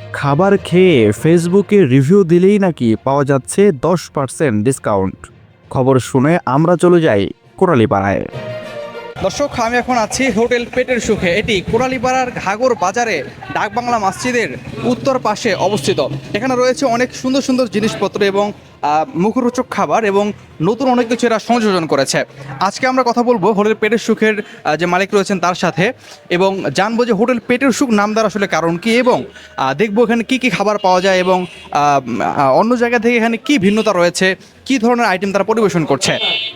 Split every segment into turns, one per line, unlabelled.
খাবার খেয়ে ফেসবুকে রিভিউ দিলেই নাকি পাওয়া যাচ্ছে 10% ডিসকাউন্ট। খবর শুনে আমরা চলে যাই কোরালীপাড়ায়।
দর্শক, আমি এখন আছি হোটেল পেটের সুখে। এটি কোরালীপাড়ার ঘাগর বাজারে ডাকবাংলা মসজিদের উত্তর পাশে অবস্থিত। এখানে রয়েছে অনেক সুন্দর সুন্দর জিনিসপত্র এবং মুখরোচক খাবার এবং নতুন অনেক কিছু এরা সংযোজন করেছে। আজকে আমরা কথা বলবো হোটেল পেটের সুখের যে মালিক রয়েছেন তার সাথে, এবং জানবো যে হোটেল পেটের সুখ নাম দেওয়ার আসলে কারণ কি, এবং দেখবো এখানে কি কি খাবার পাওয়া যায় এবং অন্য জায়গা থেকে এখানে কি ভিন্নতা রয়েছে, কি ধরনের আইটেম তারা পরিবেশন করছে।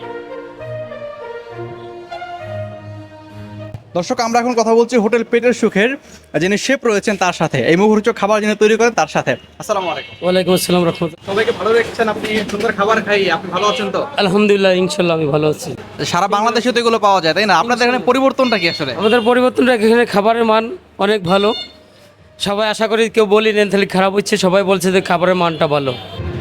দর্শক, আমরা এখন কথা বলছি হোটেল পেটের সুখের যিনি শেফ রয়েছেন তার সাথে, এই মুখরোচক খাবার যিনি তৈরি করেন তার সাথে। আসসালামু আলাইকুম।
ওয়ালাইকুম আসসালাম রহমতুল্লাহ।
সবাইকে ভালো রেখেছেন আপনি, সুন্দর খাবার খাই, আপনি ভালো আছেন তো?
আলহামদুলিল্লাহ, ইনশাল্লাহ আমি ভালো আছি।
সারা বাংলাদেশে তো এগুলো পাওয়া যায়, তাই না? আপনাদের এখানে পরিবর্তনটা কি আসলে?
আমাদের পরিবর্তনটা এখানে খাবারের মান অনেক ভালো। সবাই আশা করি কেউ বলি নেন তাহলে খারাপ হচ্ছে, সবাই বলছে যে খাবারের মানটা ভালো।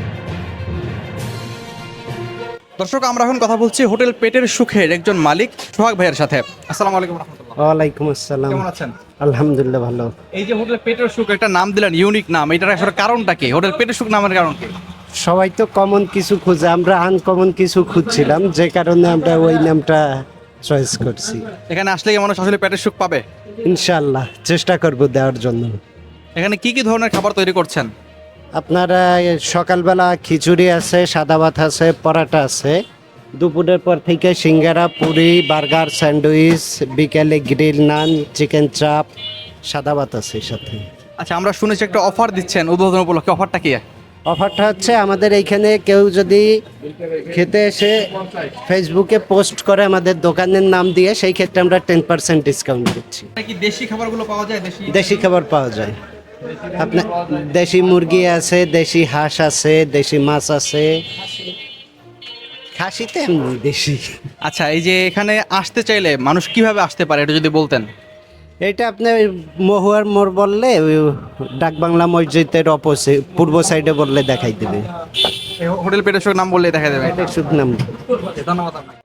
দর্শক, আমরা এখন কথা বলছি হোটেল পেটের সুখের একজন মালিক সোহাগ ভাইয়ের সাথে। আসসালামু আলাইকুম রাহমাতুল্লাহ।
ওয়ালাইকুম আসসালাম।
কেমন আছেন?
আলহামদুলিল্লাহ ভালো।
এই যে হোটেল পেটের সুখ একটা নাম দিলেন, ইউনিক নাম, এটার আসলে কারণটা কি? হোটেল পেটের সুখ নামের কারণ কি?
সবাই তো কমন কিছু খুঁজে, আমরা আনকমন কিছু খুঁজছিলাম, যে কারণে আমরা ওই নামটা চয়েস করছি।
এখানে আসলে কি মানুষ আসলে পেটের সুখ পাবে?
ইনশাআল্লাহ চেষ্টা করব দেওয়ার জন্য।
এখানে কি কি ধরনের খাবার তৈরি করছেন?
আপনারা সকালবেলা খিচুড়ি আছে, সাদা ভাত আছে, পরাটা আছে। দুপুরের পর থেকে সিঙ্গারা, পুরি, বার্গার, স্যান্ডউইচ, বিকেলে গ্রিল নান, চিকেন চাপ, সাদা ভাত আছে সাথে।
আচ্ছা, আমরা শুনেছি একটা অফার দিচ্ছেন উদ্বোধন উপলক্ষে, অফারটা কি?
অফারটা হচ্ছে আমাদের এইখানে কেউ যদি খেতে এসে ফেসবুকে পোস্ট করে আমাদের দোকানের নাম দিয়ে, সেই ক্ষেত্রে আমরা 10% ডিসকাউন্ট দিচ্ছি।
কি দেশি খাবারগুলো পাওয়া যায়?
দেশি খাবার পাওয়া যায়, আপনার দেশি মুরগি আছে, দেশি হাঁস আছে, দেশি মাছ আছে, খাসিতে এমনি দেশি।
আচ্ছা, এই যে এখানে আসতে চাইলে মানুষ কিভাবে আসতে পারে এটা যদি বলতেন।
এটা আপনার মহুয়ার মোড় বললে, ওই ডাকবাংলা মসজিদের অপোজিট পূর্ব সাইডে বললে দেখাই দেবে।
হোটেল পেটের সুখ নাম বললে দেখা যাবে।
এটা শুধু নাম।
ধন্যবাদ আপনাকে।